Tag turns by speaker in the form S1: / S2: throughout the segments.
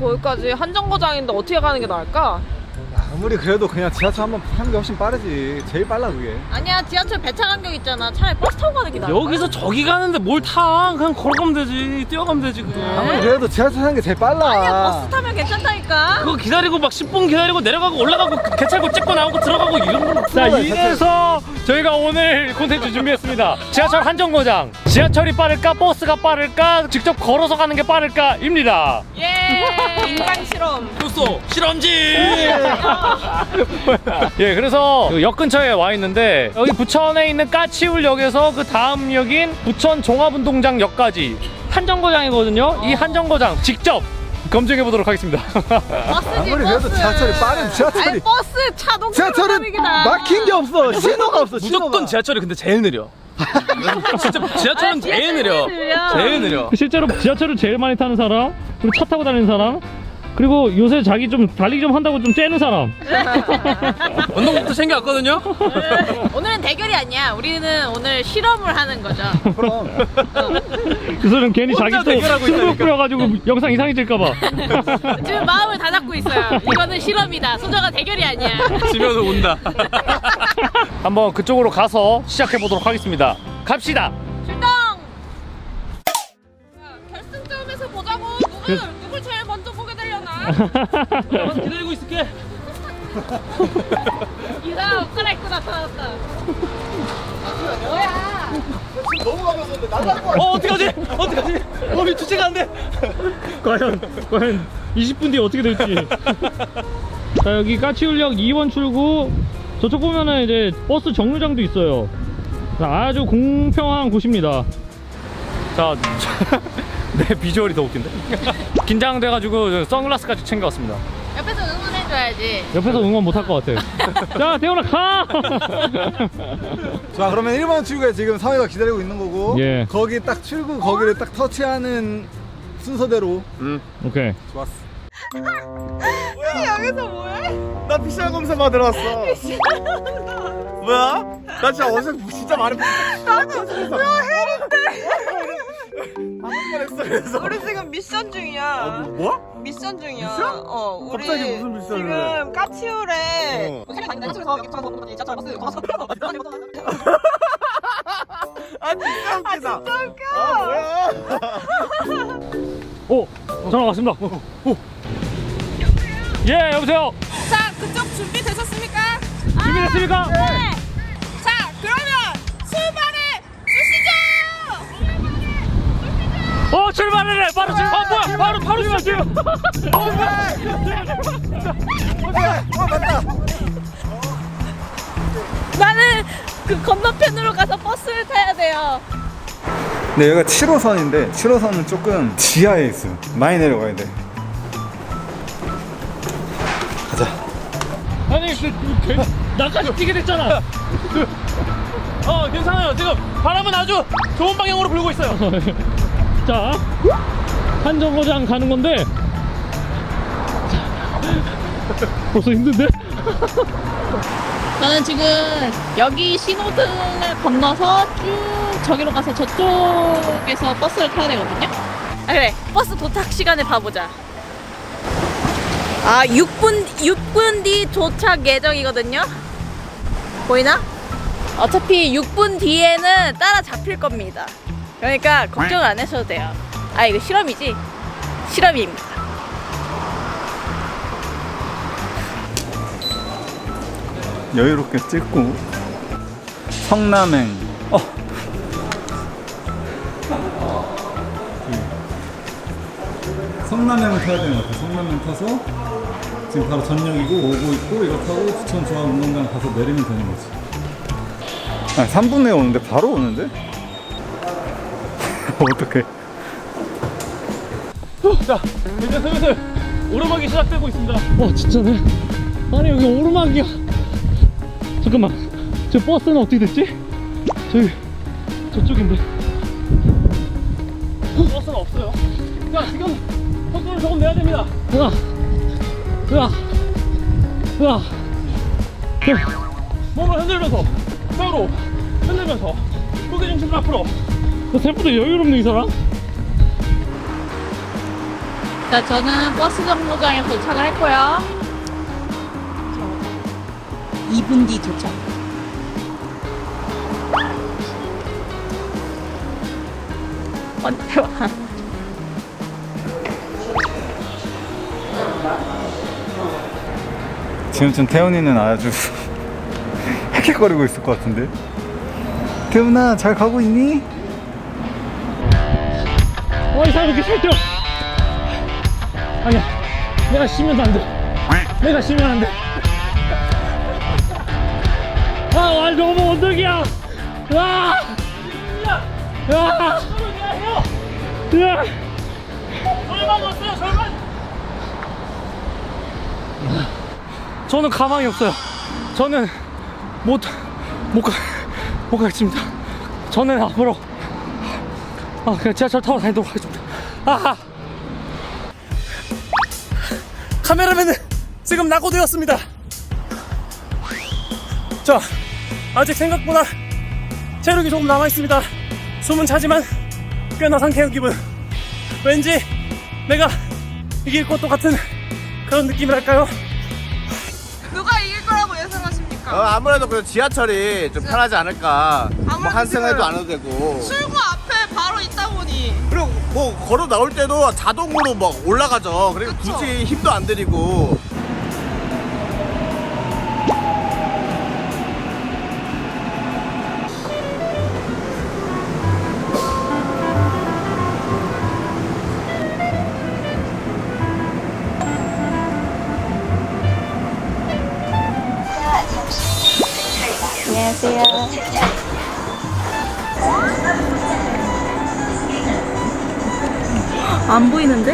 S1: 거기까지 한 정거장인데 어떻게 가는 게 나을까?
S2: 아무리 그래도 그냥 지하철 한번 타는 게 훨씬 빠르지. 제일 빨라 그게.
S1: 아니야, 지하철 배차 간격 있잖아. 차라리 버스 타고 가는 게 나아.
S3: 여기서 저기 가는데 뭘 타? 그냥 걸어가면 되지. 뛰어가면 되지 그게.
S2: 아무리 그래도 지하철 타는 게 제일 빨라.
S1: 아니야, 버스 타면 괜찮다니까.
S3: 그거 기다리고 막 10분 기다리고 내려가고 올라가고 개찰고 찍고 나오고 들어가고 이런 거. 자, 이래서 저희가 오늘 콘텐츠 준비했습니다. 지하철 한정거장. 지하철이 빠를까 버스가 빠를까 직접 걸어서 가는 게 빠를까입니다.
S1: 예, 인강 실험.
S3: 좋소 실험지. 예, 그래서 역 근처에 와 있는데 여기 부천에 있는 까치울역에서 그 다음 역인 부천 종합운동장역까지 한정거장이거든요. 이 한정거장 직접 검증해 보도록 하겠습니다.
S1: 버스지,
S2: 아무리 그래도
S1: 버스.
S2: 지하철이 빠른 지하철이.
S1: 아니, 버스 차동
S2: 지하철은 막힌 게 없어. 신호가 없어. 신호가.
S3: 무조건 지하철이 근데 제일 느려. 진짜 지하철은 제일 느려. 제일 느려.
S4: 실제로 지하철을 제일 많이 타는 사람, 그리고 차 타고 다니는 사람, 그리고 요새 자기 좀 달리기 좀 한다고 좀 째는 사람.
S3: 운동복도 챙겨왔거든요.
S1: 오늘은 대결이 아니야. 우리는 오늘 실험을 하는 거죠.
S2: 그럼.
S4: 그 사람 괜히 자기
S3: 혼자
S4: 또
S3: 대결하고
S4: 승부
S3: 있다니까.
S4: 뿌려가지고 영상 이상해질까봐.
S1: 지금 마음을 다 잡고 있어요. 이거는 실험이다. 소정아 대결이 아니야.
S3: 지면서 운다.
S4: 한번 그쪽으로 가서 시작해 보도록 하겠습니다. 갑시다.
S1: 출동! 결승점에서 보자고. 누굴 제일 먼저 보게 되려나?
S3: 기다리고 있을게.
S1: 이사 옷 갈아입고 나타났다. 뭐야?
S2: 너무 가면서 날라갈 거.
S3: 어떡하지? 어떡하지? 몸이 주체가 안 돼.
S4: 과연 20분 뒤에 어떻게 될지. 자, 여기 까치울역 2번 출구. 저쪽 보면은 이제 버스 정류장도 있어요. 아주 공평한 곳입니다.
S3: 자, 내 비주얼이 더 웃긴데? 긴장돼가지고 선글라스까지 챙겨왔습니다.
S1: 옆에서 응원해줘야지.
S4: 옆에서 응원 못 할 것 같아. 자, 태훈아 가!
S2: 자, 그러면 1번 출구에 지금 사회가 기다리고 있는 거고.
S4: 예.
S2: 거기 딱 출구 거기를 딱 터치하는 순서대로.
S4: 오케이.
S2: 좋았어.
S1: 여기서 뭐해?
S2: 나 PCR 검사 받으러 왔어. 뭐야? 나 진짜 어제 진짜 많이 나도 헬인데. 그래서
S5: 우리 지금 미션 중이야.
S2: 뭐?
S5: 미션 중이야.
S2: 미션?
S5: 우리
S2: 갑자기 무슨 미션을
S5: 지금 까치울에
S2: 아 진짜 웃기다.
S5: 진짜 웃겨.
S2: 뭐야?
S4: 오! 전화 왔습니다. 예, 여보세요?
S5: 자, 그쪽 준비되셨습니까?
S4: 준비됐습니까?
S5: 네. 자, 그러면 출발해 주시죠.
S4: 출발을 해! 바로 출발! 뭐야! 바로 출발해요!
S2: 맞다.
S1: 나는 그 건너편으로 가서 버스를 타야 돼요.
S2: 네, 여기가 7호선인데 7호선은 조금 지하에 있어요. 많이 내려가야 돼. 가자.
S4: 아니, 나까지 뛰게 됐잖아.
S3: 괜찮아요. 지금 바람은 아주 좋은 방향으로 불고 있어요.
S4: 자, 한정거장 가는 건데 벌써 힘든데?
S1: 저는 지금 여기 신호등을 건너서 쭉 저기로 가서 저쪽에서 버스를 타야 되거든요. 아 그래, 버스 도착 시간을 봐보자. 아 6분 뒤 도착 예정이거든요. 보이나? 어차피 6분 뒤에는 따라잡힐 겁니다. 그러니까 걱정을 안 하셔도 돼요. 아 이거 실험이지? 실험입니다.
S2: 여유롭게 찍고 성남행. 성남행을 타야 되는 것 같아. 성남행 타서 지금 바로 전역이고 오고 있고 이거 타고 부천 종합운동장 가서 내리면 되는 거지. 아니 3분 내에 오는데 바로 오는데? 어떡해.
S3: 자, 이제 슬슬 오르막이 시작되고 있습니다.
S4: 진짜네. 아니, 여기 오르막이야. 잠깐만, 저 버스는 어떻게 됐지? 저쪽인데.
S3: 버스는 없어요. 자, 지금 속도를 조금 내야 됩니다.
S4: 으아.
S3: 몸을 흔들면서 뼈로 흔들면서 무게 중심을 앞으로.
S4: 생각보다 여유롭네, 이 사람.
S1: 자, 저는 버스 정류장에 도착을 했고요. 2분 뒤 도착. 언제 와?
S2: 지금쯤 태훈이는 아주 헥헥거리고 있을 것 같은데. 태훈아 잘 가고 있니?
S4: 이 사람 이렇게 살쪄. 아니야, 내가 쉬면 안 돼. 내가 쉬면 안 돼. 아, 너무 언덕이야. 와, 야, 야, 절반 왔어요, 절반. 저는 가망이 없어요. 저는 못 가겠습니다. 저는 앞으로 그냥 지하철 타고 다니도록 하겠습니다.
S3: 카메라맨은 지금 낙오되었습니다. 자, 아직 생각보다 체력이 조금 남아있습니다. 숨은 차지만 꽤나 상쾌한 기분. 왠지 내가 이길 것도 같은 그런 느낌이랄까요?
S5: 누가 이길 거라고 예상하십니까?
S6: 아무래도 그 지하철이 좀 편하지 않을까. 뭐
S5: 아무래도
S6: 환승해도
S5: 지금
S6: 안 해도 되고.
S5: 출구 앞에 바로 있다 보니
S6: 그리고 뭐 걸어 나올 때도 자동으로 막 올라가죠. 그리고
S5: 그쵸.
S6: 굳이 힘도 안 들이고.
S1: 안녕하세요. 안 보이는데?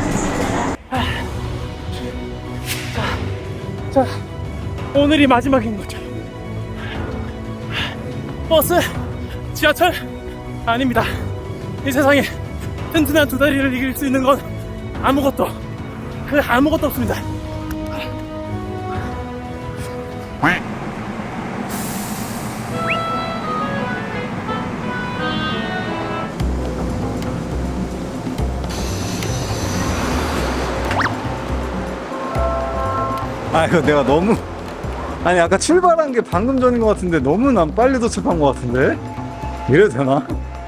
S3: 자, 오늘이 마지막인 거죠. 버스, 지하철 아닙니다. 이 세상에 튼튼한 두 다리를 이길 수 있는 건 아무것도 없습니다.
S2: 이거 내가 너무 아까 출발한 게 방금 전인 것 같은데 너무 난 빨리 도착한 것 같은데. 이래도 되나?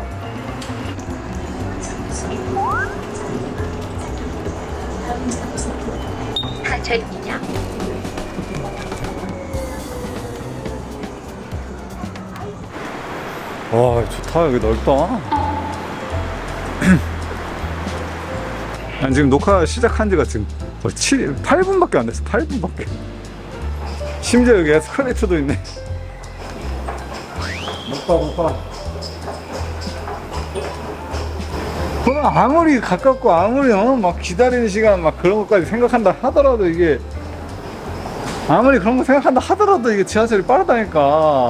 S2: 와 좋다. 여기 넓다. 난 지금 녹화 시작한 지가 지금 8분밖에 안 됐어. 8분밖에. 심지어 여기 에스컬레이터도 있네. 못 봐. 그럼 아무리 가깝고 아무리 막 기다리는 시간 막 그런 것까지 생각한다 하더라도 이게 아무리 그런 거 생각한다 하더라도 이게 지하철이 빠르다니까.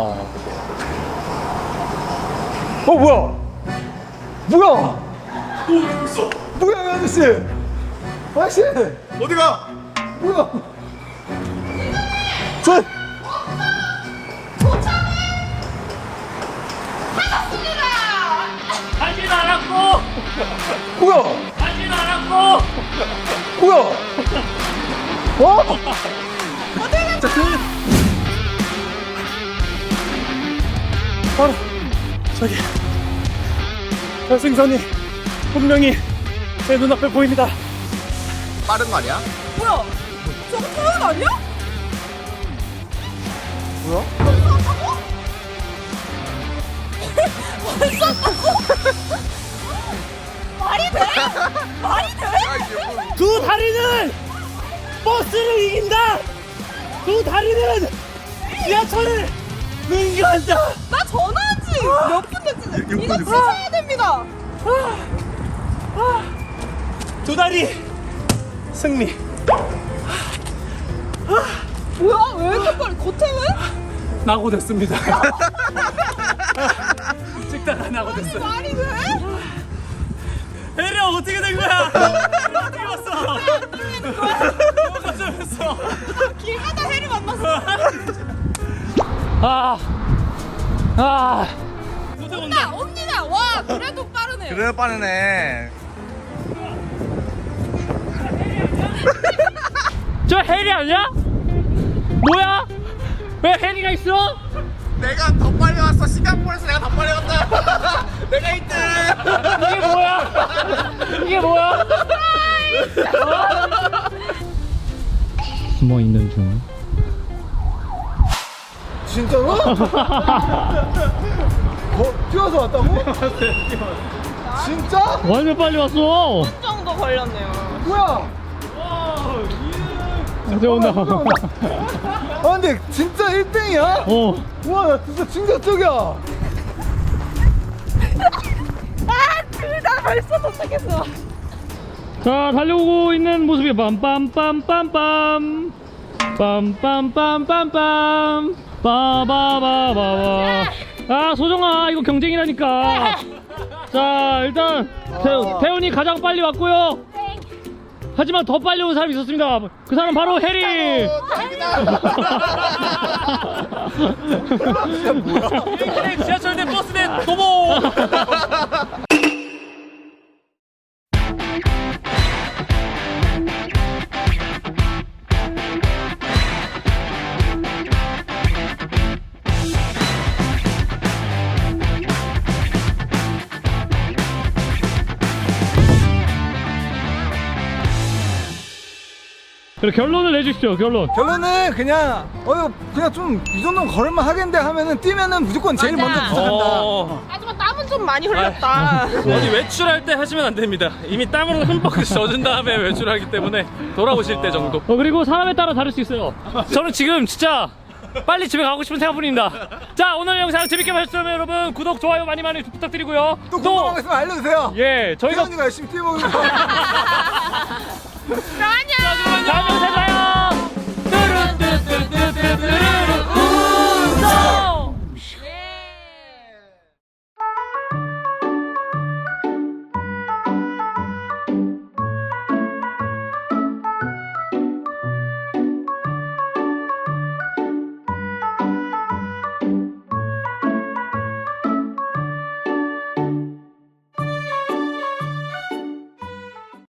S2: 뭐야? 뭐야 이 아저씨? 아저씨
S6: 어디가?
S2: 뭐야? 저
S3: 하진 않았고,
S2: 뭐야?
S3: 하진 않았고.
S2: 뭐야?
S3: 바로 저기 결승선이 분명히 제 눈앞에 보입니다.
S6: 빠른 거 아니야?
S5: 뭐야? 저거 태연 아니야?
S6: 뭐야?
S5: 말이 돼? 말이 돼?
S3: 두 다리는 버스를 이긴다. 두 다리는 지하철을 능가한다.
S5: 나 전화하지. 몇 분 됐지? 이거 취소해야 됩니다.
S3: 두 다리 승리.
S5: 뭐야? 왜 이렇게 빨리 고태왜?
S3: 낙오됐습니다. 찍다가 낙오됐어.
S5: 말이 돼?
S3: 혜리야 어떻게 된 거야? 어떻게 왔어? 뭐가 좀 했어?
S5: 길 가다 해리 만났어. 온다, 옵니다. 와, 그래도 빠르네.
S6: 그래 빠르네.
S3: 저 해리 아니야? 뭐야? 왜 해리가 있어?
S6: 내가 더 빨리 왔어. 싱가포르에서 내가 더 빨리 왔다. 내가 1등.
S3: 이게 뭐야? 이게 뭐야?
S4: 숨어 있는 중.
S2: 진짜로? 뛰어서 왔다고? 진짜?
S4: 완전 빨리 왔어.
S5: 정도 걸렸네요.
S2: 뭐야?
S4: 이제 온다.
S2: 아 근데 진짜 1등이야?
S4: 어.
S2: 우와 나 진짜 충격적이야.
S5: 둘 다 벌써 도착했어.
S4: 자, 달려오고 있는 모습이 빰빰빰빰빰 빰빰빰빰빰 빠바바바바. 아, 소정아, 이거 경쟁이라니까. 자, 일단 태훈이 가장 빨리 왔고요. 하지만 더 빨리 온 사람이 있었습니다. 그 사람 바로 해리.
S3: 지하철 대 버스 대 도보.
S4: 그래, 결론을 내주시죠.
S2: 결론은 그냥 그냥 좀 이 정도는 걸을만 하겠는데 하면은 뛰면은 무조건 제일
S5: 맞아.
S2: 먼저 도착한다.
S5: 하지만 땀은 좀 많이 흘렸다.
S3: 어디 외출할 때 하시면 안 됩니다. 이미 땀으로 흠뻑 젖은 다음에 외출하기 때문에 돌아오실 때 정도.
S4: 그리고 사람에 따라 다를 수 있어요.
S3: 저는 지금 진짜 빨리 집에 가고 싶은 생각뿐입니다. 자, 오늘 영상 재밌게 보셨다면 여러분 구독, 좋아요 많이 부탁드리고요.
S2: 또 궁금한 거 있으면 알려주세요.
S3: 예, 저희가
S2: 태현이가 열심히 뛰어보고
S5: 안녕.
S3: 다음 영상에서